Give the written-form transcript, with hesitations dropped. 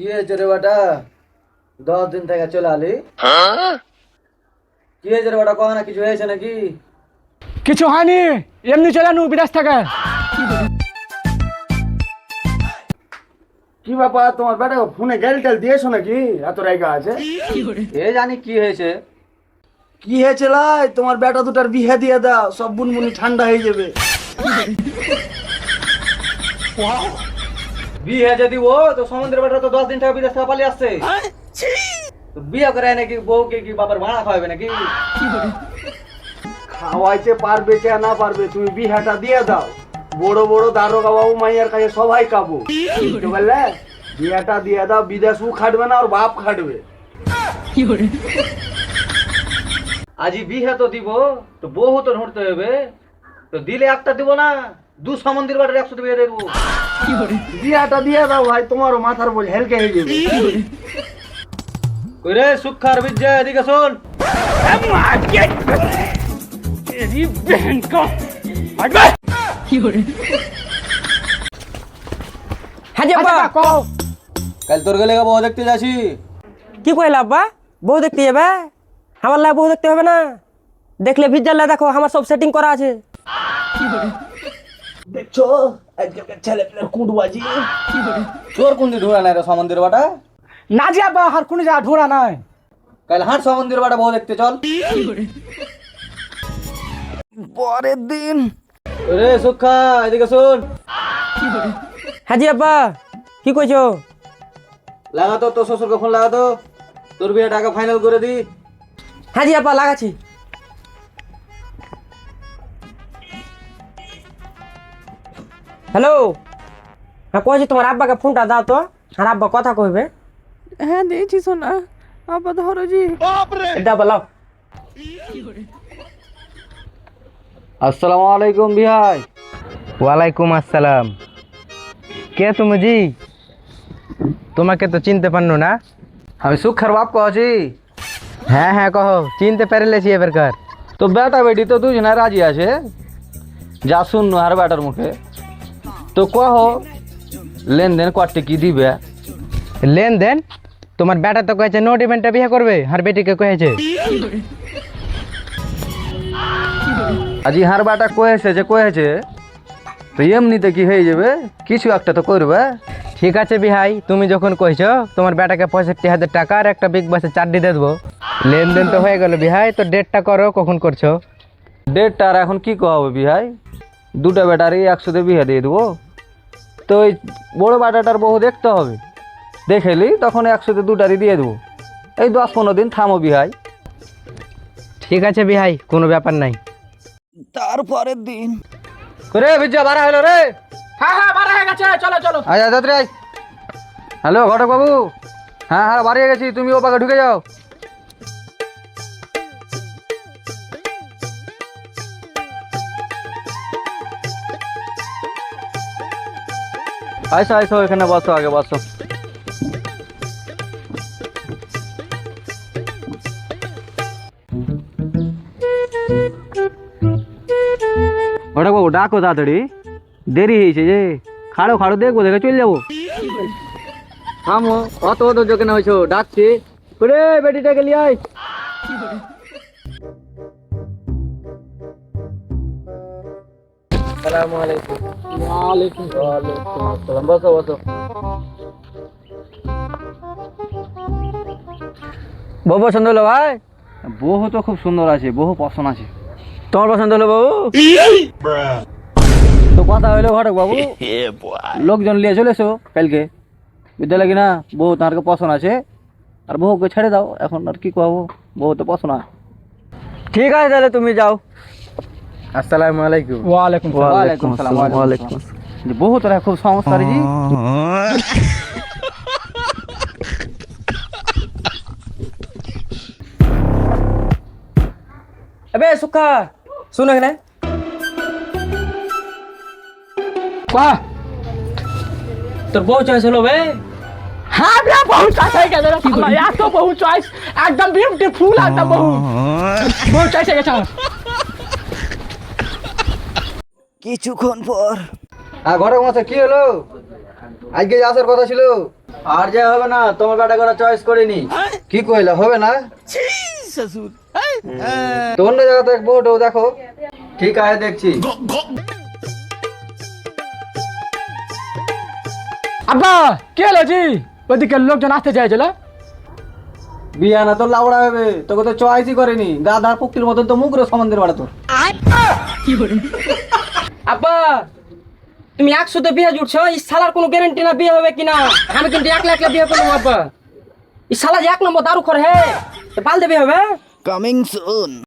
হয়েছে রে বেটা? 10 দিন থেকে চলে আলি। কি হয়েছে রে বেটা? কহ না, কিছু হয়েছে নাকি? কিছু হয়নি, এমনি চলে নু বিদেশ থেকে। কি ব্যাপার, তোমার বেটা ফোনে গেল টেল দিয়েছো নাকি? এত রাইগা আছে। এ জানি কি হয়েছে। কি হয়েছে লাই? তোমার বেটা দুটার বিয়ে দিয়ে দাও, সব বুনবুনি ঠান্ডা হয়ে যাবে। বিয়ে যদি ও তো সমুদ্রের বেটা তো 10 দিন থেকে বিদেশ থেকে পালিয়ে আসছে। তো বিয়ে করে নাকি বউকে কি বাবার ভাড়া খাওয়াবে নাকি? খাওয়াইতে পারবে কে না পারবে, তুমি বিহাটা দিয়ে দাও। বড় বড় দারোগা বাবু মাইয়ার কাছে সবাই কাবু, বুঝতে পারলে? বিহাটা দিয়ে দাও, বিদেশও খাটবে না আর বাপ খাটবে। আজি বিয়ে তো দিব, তো বউ তো ধরতে হবে। তো দিলে একটা দিব না, 2 সমুদ্রের বাটের 100 বিয়ে দেবো। বিহাটা দিয়ে দাও ভাই, তোমারও মাথার বোঝ হেলকে হয়ে যাবে। কই রে সুখার বিজয়, এদিকে শোন। হ্যাঁ আব্বা, কাল তোর গেলে বউ দেখতে যাচ্ছি। কি কইলা আব্বা? বউ দেখতে যাবে? আমার লা বউ দেখতে হবে না, দেখলে ভিজাল দেখো আমার সব সেটিং করা আছে। দেখছো আজকালকার ছেলে পেলের কুটবাজি। তোর কোন দিন ঢোড়া নাই রে সমুদ্রের বাটা? না যে আব্বা, আর কোনো যা ঢোড়া নাই। কাল হাট সমুদ্রের বাটা বউ দেখতে চল। পরের দিন রে সুখা, এদিকে শোন। হ্যাঁ জি আব্বা, কি কইছো? লাগা তো, তোর শ্বশুরকে ফোন লাগা তো, তোর বিয়ে টাকা ফাইনাল করে দি। হ্যাঁ জি আব্বা, লাগাচ্ছি। হ্যালো, হ্যাঁ কইছি তোমার আব্বাকে ফোনটা দাও তো, আর আব্বা কথা কইবে। হ্যাঁ দিয়েছি সোনা, আবার ধরো জি। এটা বলাও। আসসালামু আলাইকুম বিহাই। ওয়ালাইকুম আসসালাম। কে তুমি জি? তোমাকে তো চিনতে পারনো না। আমি সুখার বাপ কছি। হ্যাঁ হ্যাঁ কহো, চিনতে পেরেছি এবার কার। তো বেটা বেটি তো দুজনে রাজি আছে, যা শুন আর বেটার মুখে। তো কহ লেনদেন কটে কি দিবে? লেনদেন? তোমার বেটা তো কয়েছে নো ডিমান্ডে বিয়ে করবে, আর বেটিকে কয়েছে। আজি হার বেটা কয়েছে যে কয়েছে, তো এমনিতে কি হয়ে যাবে, কিছু একটা তো করবে। ঠিক আছে বিহাই, তুমি যখন কইছো তোমার বেটাকে 65,000 টাকা আর একটা বিগ বাসে চারটি দিয়ে দেবো। লেনদেন তো হয়ে গেল বিহাই, তো ডেটটা করো, কখন করছো? ডেটটা আর এখন কি কবে বিহাই? দুটা বেটারই 100 বিয়ে দিয়ে দেবো। তো ওই বড় বেটাটার বহু দেখতে হবে, দেখেলি তখন 100 দুটারই দিয়ে দেবো। এই 10-15 দিন থামো বিহাই। ঠিক আছে বিহাই, কোনো ব্যাপার নাই। তারপরের দিন রে বিজয় বাড়া হলো রে। হ্যাঁ হ্যাঁ, বাড়া হয়ে গেছে, চলো চলো। আয় আজাদ রে। হ্যালো ঘটক বাবু। হ্যাঁ হ্যাঁ, বাড়িয়ে গেছি, তুমি ও পাকে ঢুকে যাও। আইসো আইসো, এখানে বসো, আগে বসো। ঘটক বাবু ডাকো তাড়াতাড়ি, দেরি হয়েছে যে। খাড়ো খাড়ো, দেখবো দেখে চলে যাবো। থামো, অত অত যোগে না হয়েছো, ডাকছি। রে বেটিটাকে লিয়ে আয়। আসসালামু আলাইকুম। ওয়ালাইকুম আসসালাম। বসো বসো। বউ পছন্দ হলো ভাই? বহু তো খুব সুন্দর আছে, বহু পছন্দ আছে। তোমার পছন্দ হলো বউ? তো কথা হইলো ঘটক বাবু, লোকজন নিয়ে চলে এসো কালকে বিদ্যালয় কিনা। বহু তার পছন্দ আছে, আর বহুকে ছেড়ে দাও এখন। আর কি করবো, বহু তো পছন্দ আছে। ঠিক আছে তাহলে তুমি যাও। আসসালামু আলাইকুম। ওয়ালাইকুম সালাম। ওয়ালাইকুম আসসালাম। ওয়ালাইকুম আসসালাম। বহু তোরা খুব সমস্যা জি। এবে সুখা, শুনো এখানে। বাহ, তোর বউ চয়েস হলো বে? হ্যাঁ বে, বহু চয়েস হয়ে গেছে রে শালা, এত বহু চয়েস, একদম বিউটিফুল একদম বহু চয়েস হয়ে গেছে আমার। কিছুক্ষণ পর ঘটক মশাই কি হলো? আজকে আসার কথা ছিল। আর যে হবে না, তোমার বেটা করে চয়েস করিনি। কি কইলা, হবে না? তো অন্য জায়গাতে এক বউটাও দেখো। ঠিক আছে, দেখছি। আব্বা কে হলো জি? ওদিকে লোকজন আসতে চাইছিল। বিয়া না তো লাউড়া হবে, তোকে তো চয়েসই করেনি। গাধার পুক্তির মতন তো মুখ রে সম্বন্ধের বাড়া তোর। আব্বা তুমি 100তে বিয়ে জুটছো, এই শালার কোনো গ্যারান্টি না বিয়ে হবে কিনা। আমি কিন্তু একলা একলা বিয়ে করবো আব্বা। এই শালা যে 1 নম্বর দারু খর হে, পাল দেবে হবে।